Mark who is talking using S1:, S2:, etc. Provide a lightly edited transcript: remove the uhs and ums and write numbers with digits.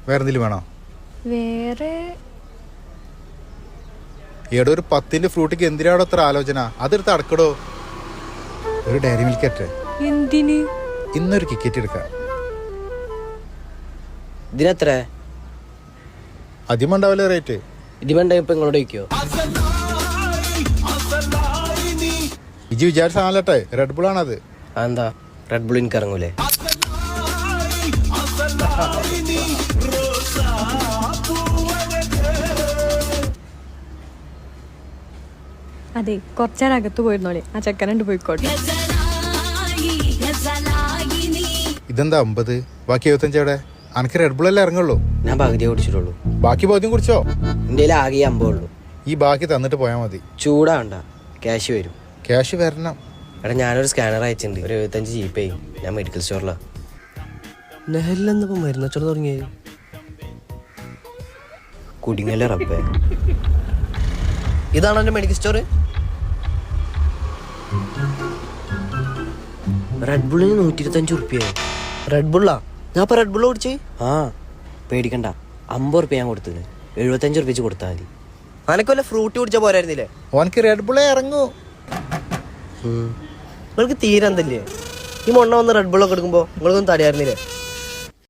S1: വേറെ എന്തെങ്കിലും വേണോ?
S2: വേറെ
S1: ഏടോ ഒരു 10 ഫ്രൂട്ടിക്ക് എന്തിനാടോ അത്ര ആലോചന? അതെടുത്ത് അടക്കടോ. ഒരു ഡയറി മിൽക്ക്
S2: എന്തിന്?
S1: ഇന്നൊരു ടിക്കറ്റ് എടുക്കാം.
S3: ഇതിനെത്ര?
S1: അധികമുണ്ടാവില്ല റേറ്റ്.
S3: ഇതിമെണ്ട ഇപ്പൊ ഇങ്ങോട്ട് വയ്ക്കോ?
S1: ഇജി വിചാരിച്ച സാധനട്ടെ, റെഡ് ബുൾ ആണത്.
S3: എന്താ റെഡ് ബുൾ എനിക്ക് ഇറങ്ങൂലേ?
S2: അതെ, കുറച്ചേരം അകത്ത് പോയിരുന്നോളെ, ആ ചെക്കനണ്ട് പോയിക്കോട്ടെ.
S1: ഇതെന്താ 50? ബാക്കി 75 എവിടെ? അനക്ക് റെഡ് ബുൾ അല്ലേ ഇറങ്ങുള്ളൂ.
S3: ഞാൻ പകുതിയെ കുടിച്ചിട്ടുള്ളൂ.
S1: ബാക്കി ബോധ്യം കുടിച്ചോ?
S3: എൻ്റെ ആകെ 50 ഉള്ളൂ.
S1: ഈ ബാക്കി തന്നിട്ട് പോയാൽ മതി.
S3: ചൂടാവണ്ട, ക്യാഷ് വരും.
S1: ക്യാഷ് വരണം.
S3: എടാ ഞാനൊരു സ്കാനർ അയച്ചിട്ടുണ്ട്, ഒരു 75 ജീപ്പേ. ഞാൻ മെഡിക്കൽ സ്റ്റോറിലാണ്. നെഹലിലെന്നിപ്പോ മരുന്ന് വെച്ചോട് തുടങ്ങിയത് കുടിങ്ങല്ലേ റബ്ബേ. ഇതാണോ എൻ്റെ മെഡിക്കൽ സ്റ്റോർ? റെഡ് ബുള്ളിന് 125 ഉറുപ്പ്യായി. റെഡ് ബുള്ളാ? ഞാൻ ഇപ്പൊ റെഡ് ബുള്ള കുടിച്ച്. ആ പേടിക്കണ്ട, 50 ഉറുപ്പ്യ ഞാൻ കൊടുത്തത്, 75 ഉറുപ്പ്യ കൊടുത്താൽ മതി. അനക്ക് വല്ല ഫ്രൂട്ട് കുടിച്ചാൽ പോരായിരുന്നില്ലേ?
S1: ഓനക്ക് റെഡ് ബുള്ളേ ഇറങ്ങൂ.
S3: നിങ്ങൾക്ക് തീരെ എന്തല്ലേ ഈ മൊണ്ണ വന്ന് റെഡ് ബുള്ളൊക്കെ എടുക്കുമ്പോൾ നിങ്ങൾക്കൊന്നും തടയായിരുന്നില്ലേ?